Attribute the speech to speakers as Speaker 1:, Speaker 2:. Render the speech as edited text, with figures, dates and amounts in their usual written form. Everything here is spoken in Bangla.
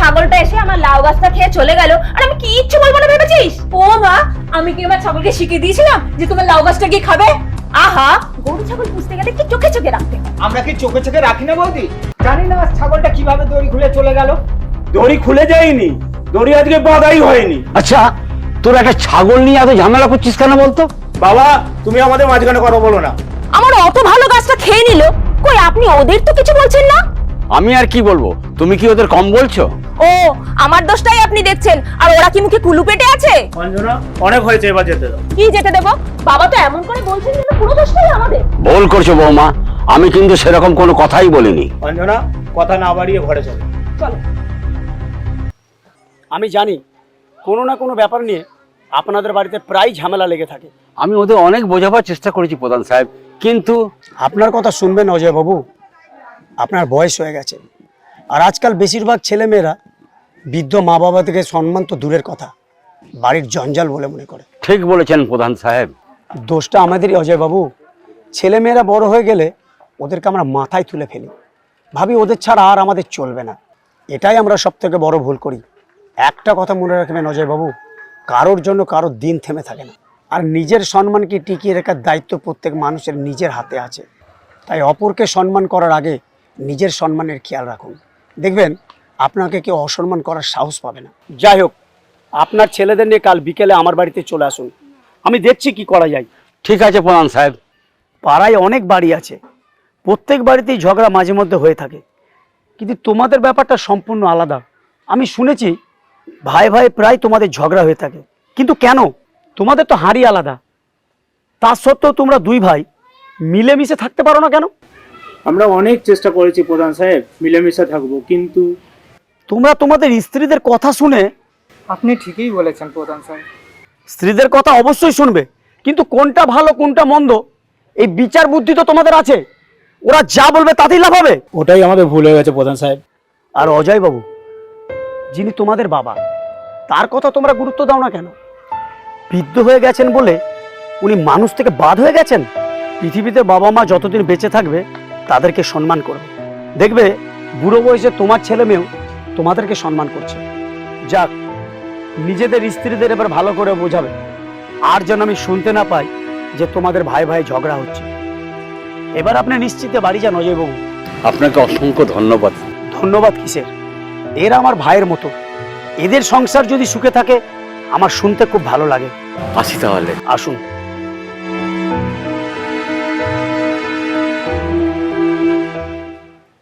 Speaker 1: ছাগলটা এসে আমার লাউ গাছটা খেয়ে চলে গেল আর আমি কিচ্ছু বলবো না ভেবেছিস? ও মা, আমি কি আমার ছাগলকে শিখিয়ে দিয়েছিলাম যে তোমার লাউ গাছটা গিয়ে খাবে? আহা, গরু ছাগল পুষতে গেলে কি চোখে চোখে রাখতে হয়।
Speaker 2: আমরা কি চোখে চোখে রাখি না বৌদি? জানি না ছাগলটা কিভাবে দড়ি খুলে চলে গেল।
Speaker 3: দড়ি খুলে যায়নি, দড়ি আজকে বাঁধাই হয়নি।
Speaker 4: আচ্ছা, তোর একটা ছাগল নিয়ে এত ঝামেলা করছিস কেন বলতো?
Speaker 3: বাবা, তুমি আমাদের মাঝখানে কথা বলো না।
Speaker 1: আমার অত ভালো গাছটা খেয়ে নিল, কই আপনি ওদের তো কিছু বলছেন না?
Speaker 4: আমি আর কি বলবো, তুমি কি ওদের কম বলছো?
Speaker 1: ও, আমার দোষটাই আপনি দেখছেন, আর ওরা কি মুখে কুলু পেটে আছে?
Speaker 3: অঞ্জনা, অনেক হয়েছে, এবার যেতে দাও।
Speaker 1: কি যেতে দেব? বাবা তো এমন করে বলছেন যেন পুরো দোষটাই আমাদের।
Speaker 4: ভুল করছো বৌমা, আমি কিন্তু সেরকম কোনো কথাই বলিনি।
Speaker 3: অঞ্জনা, কথা না বাড়িয়ে ঘরে চলো।
Speaker 1: চলো।
Speaker 5: আমি জানি কোনো না কোনো ব্যাপার নিয়ে আপনাদের বাড়িতে প্রায় ঝামেলা লেগে থাকে।
Speaker 4: আমি ওদের অনেক বোঝাবার চেষ্টা করেছি প্রধান সাহেব, কিন্তু
Speaker 5: আপনার কথা শুনবেন অজয় বাবু, আপনার বয়স হয়ে গেছে, আর আজকাল বেশিরভাগ ছেলেমেয়েরা বৃদ্ধ মা বাবা থেকে সম্মান তো দূরের কথা, বাড়ির জঞ্জাল বলে মনে করে।
Speaker 4: ঠিক বলেছেন প্রধান সাহেব।
Speaker 5: দোষটা আমাদেরই অজয় বাবু। ছেলেমেয়েরা বড় হয়ে গেলে ওদেরকে আমরা মাথায় তুলে ফেলি, ভাবি ওদের ছাড়া আর আমাদের চলবে না। এটাই আমরা সব থেকে বড় ভুল করি। একটা কথা মনে রাখবেন অজয় বাবু, কারোর জন্য কারোর দিন থেমে থাকে না, আর নিজের সম্মানকে টিকিয়ে রাখার দায়িত্ব প্রত্যেক মানুষের নিজের হাতে আছে। তাই অপরকে সম্মান করার আগে নিজের সম্মানের খেয়াল রাখুন, দেখবেন আপনাকে কেউ অসম্মান করার সাহস পাবে না। যাই হোক, আপনার ছেলেদের নিয়ে কাল বিকেলে আমার বাড়িতে চলে আসুন, আমি দেখছি কি করা যায়।
Speaker 4: ঠিক আছে প্রধান সাহেব।
Speaker 5: পাড়ায় অনেক বাড়ি আছে, প্রত্যেক বাড়িতেই ঝগড়া মাঝে মধ্যে হয়ে থাকে, কিন্তু তোমাদের ব্যাপারটা সম্পূর্ণ আলাদা। আমি শুনেছি ভাই ভাই প্রায় তোমাদের ঝগড়া হয়ে থাকে, কিন্তু কেন? তোমাদের তো হাঁড়ি আলাদা, তা সত্ত্বেও তোমরা দুই ভাই মিলেমিশে থাকতে পারো না কেন?
Speaker 3: আমরা অনেক চেষ্টা করেছি প্রধান সাহেব, মিলেমিশে থাকবো, কিন্তু
Speaker 5: তোমরা তোমাদের স্ত্রীদের কথা শুনে,
Speaker 2: আপনি ঠিকই বলেছেন প্রধান সাহেব।
Speaker 5: স্ত্রীদের কথা অবশ্যই শুনবে, কিন্তু কোনটা ভালো কোনটা মন্দ এই বিচার বুদ্ধি তো তোমাদের আছে। ওরা যা বলবে তাতেই লাভ হবে।
Speaker 3: ওটাই আমাদের ভুল হয়ে গেছে প্রধান সাহেব।
Speaker 5: আর অজয় বাবু, যিনি তোমাদের বাবা, তার কথা তোমরা গুরুত্ব দাও না কেন? বৃদ্ধ হয়ে গেছেন বলে উনি মানুষ থেকে বাদ হয়ে গেছেন? পৃথিবীতে বাবা মা যতদিন বেঁচে থাকবে তাদেরকে সম্মান করবে, দেখবে বুড়ো বয়সে তোমার ছেলে মেয়েও তোমাদেরকে সম্মান করছে। যাক, নিজেদের স্ত্রীদের এবার ভালো করে বোঝাবে, আর যেন আমি শুনতে না পাই যে তোমাদের ভাই ভাই ঝগড়া হচ্ছে। এবার আপনি নিশ্চিতে বাড়ি যান অজয় বাবু।
Speaker 4: আপনাকে অসংখ্য ধন্যবাদ।
Speaker 5: ধন্যবাদ কিসের, এরা আমার ভাইয়ের মতো, এদের সংসার যদি সুখে থাকে আমার শুনতে খুব ভালো লাগে।
Speaker 4: আসি তাহলে।
Speaker 5: আসুন।